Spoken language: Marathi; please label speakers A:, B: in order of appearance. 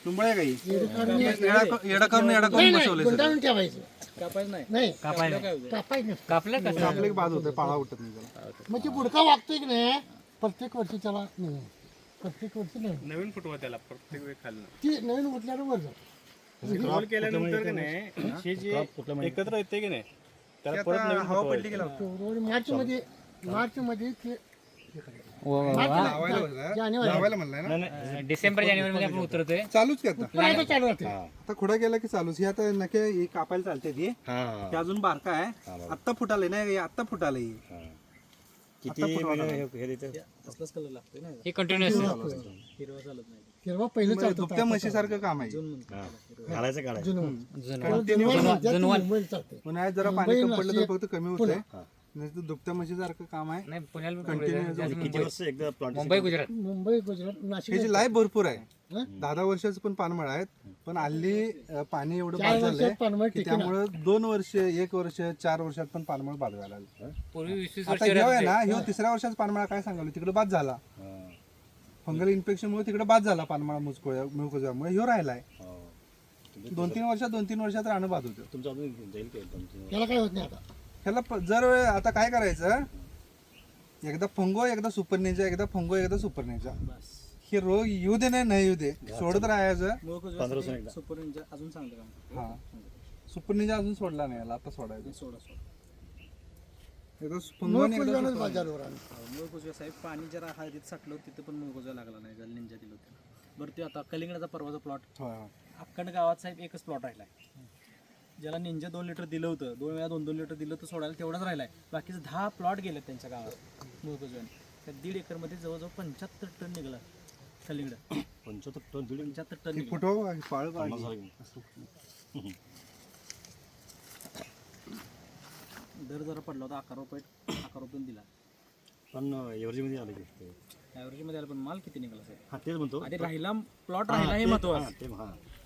A: तुंबळ्या गाई
B: येडकांनी
A: येडा करून बसवले
B: गुंडाळून ठेवायचं
C: कापायचं नाही
B: नाही
C: कापायला काय होतं?
B: कापायचं नसतं.
D: कापलं कसं
A: आपलं एक बाद होतं पाळा उठत नाही त्याला.
B: म्हणजे पुढका वागतोय की नाही प्रत्येक वर्षी त्याला नाही प्रत्येक वर्षी नाही
E: नवीन फुटवा त्याला प्रत्येक वेळ खाल्लं
B: ती नवीन उठल्यावर वर जातो
E: रोल केल्यानंतर की नाही हे जे एकत्र येते की नाही त्याला परत नवीन
A: हवा
E: फुटवा
A: पडली गेला
B: फेब्रुवारी मार्चमध्ये ते
A: लावायला होता.
B: जानेवारी
A: लावायला म्हणलाय ना
D: डिसेंबर जानेवारी मध्ये आपण उतरतोय
A: चालूच करता
B: पुन्हा चालू राहते
A: आता खुडा गेला की चालूच ही आता नके ही कापायला चालते ती ते अजून बारका आहे आत्ता फुटाले नाही आत्ता फुटाले
C: असलाच कलर लागतोय ना
D: हे कंटिन्युअस
C: हिरवा चालत नाही
B: हिरवा पहिलं चालतं
A: दुभत्या म्हशीसारखं काम आहे
F: घालायचं काढायचं
B: जुनं मुंबईला चालते
A: उन्हाळ्यात जरा पाणी कमी पडलं तर फक्त कमी होतंय नाही तर दुभत्या म्हशीसारखं काम आहे
D: नाही पुण्याला
A: कंटिन्यू
F: किती वर्ष एकदा प्लॉट
D: मुंबई गुजरात
B: मुंबई गुजरात नाशिक
A: ह्याची लाईफ भरपूर आहे
B: हं?
A: 10 वर्षाचं पण पानमळ आहेत पण हल्ली पाणी एवढं
B: 4
A: बाद
B: वर्षात
A: झालंय
B: पानमळ
A: की
B: टिकेना.
A: त्यामुळं 2 वर्ष 1 वर्ष 4 वर्षात पण पानमळ बाद व्हायला लागलं.
D: पूर्वी 20-20
A: आता
D: वर्ष
A: ह्यो आहे ना ह्यो 3ऱ्या वर्षाचा पानमळा काय सांगालो तिकडे बाद झाला फंगल इन्फेक्शन मुळे तिकडे बाद झाला पानमळा मुळकुजामुळे ह्यो राहिलाय 2-3 वर्षात राहणं बाद होतं.
F: तुमचं अजून जाईल काय तुमचं
B: त्याला काय होत नाही आता
A: ह्याला जर आता काय करायचं एकदा फंगो एकदा सुपरनेजा एकदा फंगो एकदा सुपरनेजा हे रोग येऊ दे नाही येऊ दे सोडत राहायचं
C: मूळ
F: वर्षांनी एकदा.
C: सुपर निंजा अजून चांगलं काम
A: हा सुपरनेजा अजून सोडला नाही याला आता सोडायचं
C: सोडा
A: एकदा फंगो आणि एकदा
B: मुळकुजव्यानंच
A: सुपरनेजा.
B: बाजारवर आणलं.
C: मूळ कुजव्या साहेब पाणी जरा हळदीत साठलं तिथं पण मूळ कुजवा लागला नाही ज्याला निंजा दिलं होतं बरं ते आता कलिंगडाचा परवाचा प्लॉट
A: होय, होय.
C: अक्कड गावात साहेब एकच प्लॉट राहिलाय ज्याला निंजा 2 लिटर दिलं होतं 2 वेळा 2-2 लिटर दिलं तर सोडायला तेवढाच राहिलाय बाकीचे 10 प्लॉट गेले त्यांच्या गावात मूळ कुजव्याने त्या 1.5 एकरमध्ये जवळजवळ 75 टन निघाला कलिंगड
F: 75 टन दीड
C: 75 टन
A: ती
C: निघाला.
A: फुटो पाळ
C: दर जरा पडला होता 11 रुपये दिला
F: पण एव्हरेजमध्ये आलं की
C: ॲव्हरेजमध्ये आला पण माल किती निघाला साहेब
F: हा तेच म्हणतो
C: आधी राहिला प्लॉट राहिला हे महत्वाचं
F: ते हा